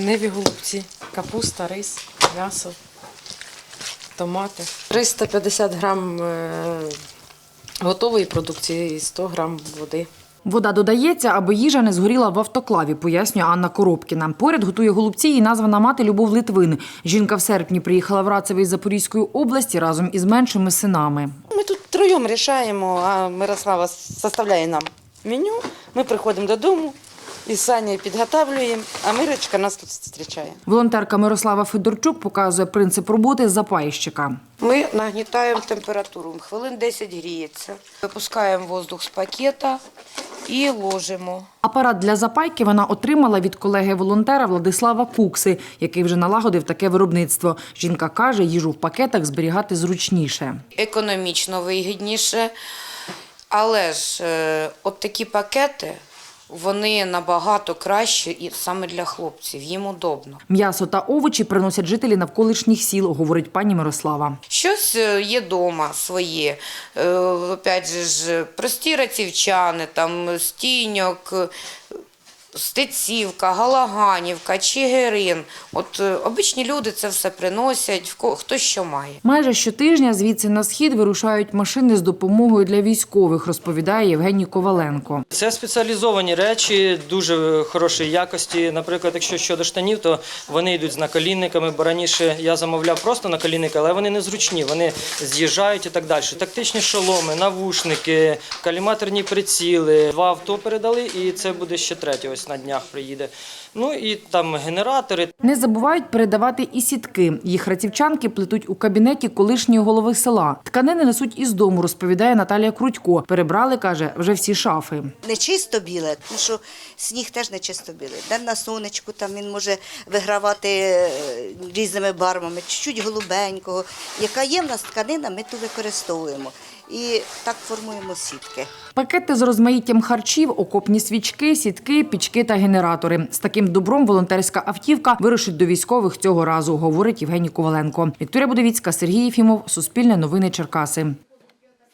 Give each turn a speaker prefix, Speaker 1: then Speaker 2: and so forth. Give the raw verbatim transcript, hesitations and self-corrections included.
Speaker 1: лениві голубці, капуста, рис, м'ясо, томати. триста п'ятдесят грам готової продукції і сто грам води.
Speaker 2: Вода додається, аби їжа не згоріла в автоклаві, пояснює Анна Коробкіна. Поряд готує голубці і названа мати Любов Литвин. Жінка в серпні приїхала в Рацеве із Запорізької області разом із меншими синами.
Speaker 3: Ми тут троєм рішаємо, а Мирослава составляє нам меню. Ми приходимо додому із Санєю підготовлюємо, а Мирочка нас тут зустрічає.
Speaker 2: Волонтерка Мирослава Федорчук показує принцип роботи запайщика.
Speaker 3: Ми нагнітаємо температуру, хвилин десять гріється. Випускаємо воздух з пакета і ложимо.
Speaker 2: Апарат для запайки вона отримала від колеги-волонтера Владислава Кукси, який вже налагодив таке виробництво. Жінка каже, їжу в пакетах зберігати зручніше.
Speaker 3: Економічно вигідніше, але ж е, от такі пакети, вони набагато кращі і саме для хлопців, їм удобно.
Speaker 2: М'ясо та овочі приносять жителі навколишніх сіл, говорить пані Мирослава.
Speaker 3: Щось є вдома своє, е, опять же ж, прості рацівчани, там, стіньок, Стецівка, Галаганівка, Чигирин. От е, обичні люди це все приносять, в ко- хто що має.
Speaker 2: Майже щотижня звідси на схід вирушають машини з допомогою для військових, розповідає Євгеній Коваленко.
Speaker 4: Це спеціалізовані речі, дуже хорошої якості. Наприклад, якщо щодо штанів, то вони йдуть з наколінниками, бо раніше я замовляв просто наколінники, але вони незручні, вони з'їжджають і так далі. Тактичні шоломи, навушники, каліматорні приціли. Два авто передали і це буде ще третє, ось на днях приїде. Ну і там генератори.
Speaker 2: Не забувають передавати і сітки. Їх рацівчанки плетуть у кабінеті колишньої голови села. Тканини несуть із дому, розповідає Наталія Крутько. Перебрали, каже, вже всі шафи.
Speaker 5: Не чисто біле, тому що сніг теж не чисто білий. День на сонечку, там він може вигравати різними барвами, чуть-чуть голубенького. Яка є в нас тканина, ми ту використовуємо. І так формуємо сітки.
Speaker 2: Пакети з розмаїттям харчів, окопні свічки, сітки, пічки та генератори. З таким добром волонтерська автівка вирушить до військових цього разу, говорить Євгеній Коваленко. Вікторія Будовіцька, Сергій Єфімов, Суспільне новини Черкаси.